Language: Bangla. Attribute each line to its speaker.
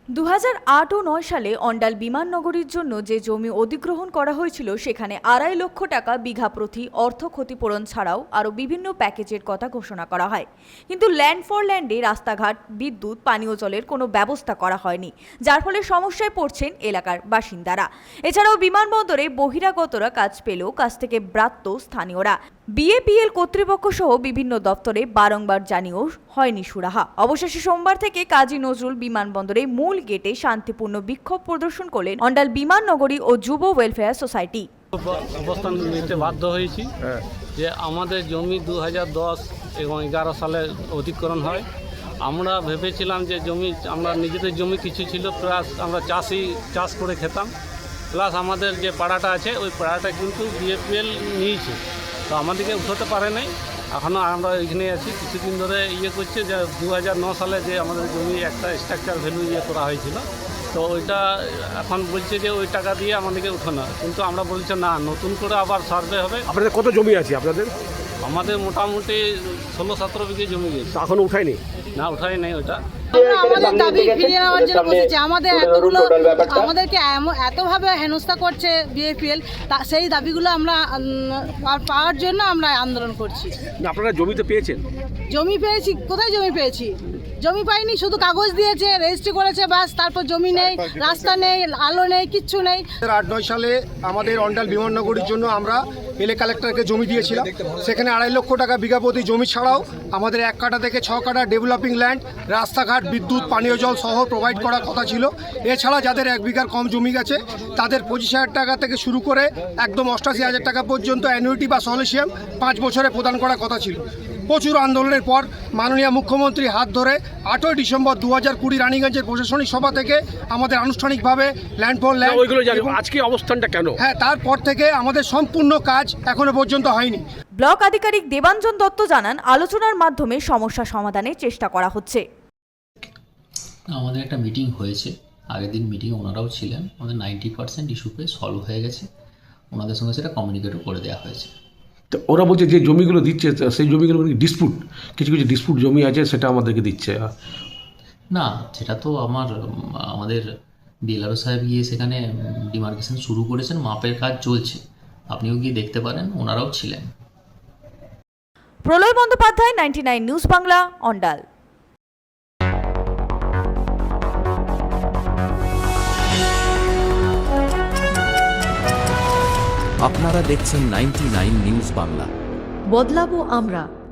Speaker 1: 2008 ও 9 সালে অন্ডাল বিমাননগরীর জন্য যে জমি অধিগ্রহণ করা হয়েছিল সেখানে 2.5 লক্ষ টাকা বিঘা প্রতি অর্থ ক্ষতিপূরণ ছাড়াও আরও বিভিন্ন প্যাকেজের কথা ঘোষণা করা হয়। কিন্তু ল্যান্ড ফর ল্যান্ডে রাস্তাঘাট, বিদ্যুৎ, পানীয় জলের কোনো ব্যবস্থা করা হয়নি, যার ফলে সমস্যায় পড়ছেন এলাকার বাসিন্দারা। এছাড়াও বিমানবন্দরে বহিরাগতরা কাজ পেলেও কাজ থেকে ব্রাত্য স্থানীয়রা। বিএপিএল কর্তৃপক্ষ সহ বিভিন্ন দপ্তরে বারংবার জানিয়েও হয়নি সুরাহা। অবশেষে সোমবার থেকে কাজী নজরুল বিমানবন্দরে মূল গেটে শান্তিপূর্ণ বিক্ষোভ প্রদর্শন করলেন অন্ডাল বিমাননগরী ও যুব ওয়েলফেয়ার সোসাইটি।
Speaker 2: অবস্থান নিতে বাধ্য হয়েছি যে আমাদের জমি 2010 এবং 11 সালে অধিগ্রহণ হয়। আমরা ভেবেছিলাম যে জমি আমরা নিজেদের জমি কিছু ছিল, প্লাস আমরা চাষ করে খেতাম, প্লাস আমাদের যে পাড়াটা আছে ওই পাড়াটা কিন্তু বিএপিএল নিয়েছে, তো আমাদেরকে উঠাতে পারে নাই। এখনও আমরা এখানে আছি, কিছুদিন ধরে করছে যে 2009 সালে যে আমাদের জমি একটা স্ট্রাকচার ভ্যালু করা হয়েছিল, তো ওইটা এখন বলছে যে ওই টাকা দিয়ে আমাদেরকে উঠানো, কিন্তু আমরা বলছি না, নতুন করে আবার সার্ভে হবে।
Speaker 3: আপনাদের কত জমি আছে আপনাদের?
Speaker 2: আমাদের মোটামুটি 16-17 বিঘে জমি গেছে।
Speaker 3: এখনো উঠায়নি?
Speaker 2: না, উঠাই নেই ওটা।
Speaker 4: আমাদের দাবি ফিরিয়ে নেওয়ার জন্য বসেছি। আমাদেরকে এতভাবে হেনস্থা করছে বিএপিএল, সেই দাবিগুলো আমরা পাওয়ার জন্য আমরা আন্দোলন করছি।
Speaker 3: আপনারা জমিতে পেয়েছেন?
Speaker 4: জমি পেয়েছি। কোথায় জমি পেয়েছি? জমি পাইনি, শুধু কাগজ দিয়েছে, রেজিস্ট্রি করেছে, বাস। তারপর জমি নেই, রাস্তা নেই, আলো নেই, কিচ্ছু নেই।
Speaker 5: 2008-9 সালে আমাদের অন্ডাল বিমাননগরীর জন্য আমরা এলে কালেক্টরকে জমি দিয়েছিলাম। সেখানে 2.5 লক্ষ টাকা বিঘা প্রতি জমি ছাড়াও আমাদের 1 কাঠা থেকে 6 কাঠা ডেভেলপিং ল্যান্ড, রাস্তাঘাট, বিদ্যুৎ, পানীয় জল সহ প্রোভাইড করার কথা ছিল। এছাড়া যাদের 1 বিঘার কম জমি গেছে তাদের 25,000 টাকা থেকে শুরু করে একদম 88,000 টাকা পর্যন্ত অ্যানুইটি বা সলিসিয়াম 5 বছরে প্রদান করার কথা ছিল। প্রচুর আন্দোলনের পর মাননীয় মুখ্যমন্ত্রী হাত ধরে 8ই ডিসেম্বর 2020 রানীগঞ্জের প্রশাসনিক সভা থেকে আমাদের আনুষ্ঠানিকভাবে ল্যান্ড ফর ল্যান্ড।
Speaker 3: আজকে অবস্থানটা কেন?
Speaker 5: হ্যাঁ, তারপর থেকে আমাদের সম্পূর্ণ কাজ এখনো পর্যন্ত হয়নি।
Speaker 1: ব্লক আধিকারিক দেবাঞ্জন দত্ত জানান, আলোচনার মাধ্যমে সমস্যা সমাধানের চেষ্টা করা হচ্ছে।
Speaker 6: আমাদের একটা মিটিং হয়েছে, আগের দিন মিটিং ওনারাও ছিলেন। আমাদের 90% ইস্যুতে সলভ হয়ে গেছে, ওনাদের সঙ্গে সেটা কমিউনিকেটও করে দেওয়া হয়েছে।
Speaker 3: তো ওরা বলছে যে জমিগুলো দিচ্ছে সেই জমিগুলো ডিসপুট, কিছু কিছু ডিসপুট জমি আছে সেটা আমাদেরকে দিচ্ছে
Speaker 6: না, সেটা তো আমাদের বিএলআরও সাহেব গিয়ে সেখানে ডিমার্কেশন শুরু করেছেন, মাপের কাজ চলছে, আপনিও গিয়ে দেখতে পারেন, ওনারাও ছিলেন।
Speaker 1: প্রলয় বন্দ্যোপাধ্যায়, 99 নিউজ বাংলা, অন্ডাল।
Speaker 7: আপনারা দেখছেন 99 নিউজ বাংলা।
Speaker 8: বদলাবো আমরা।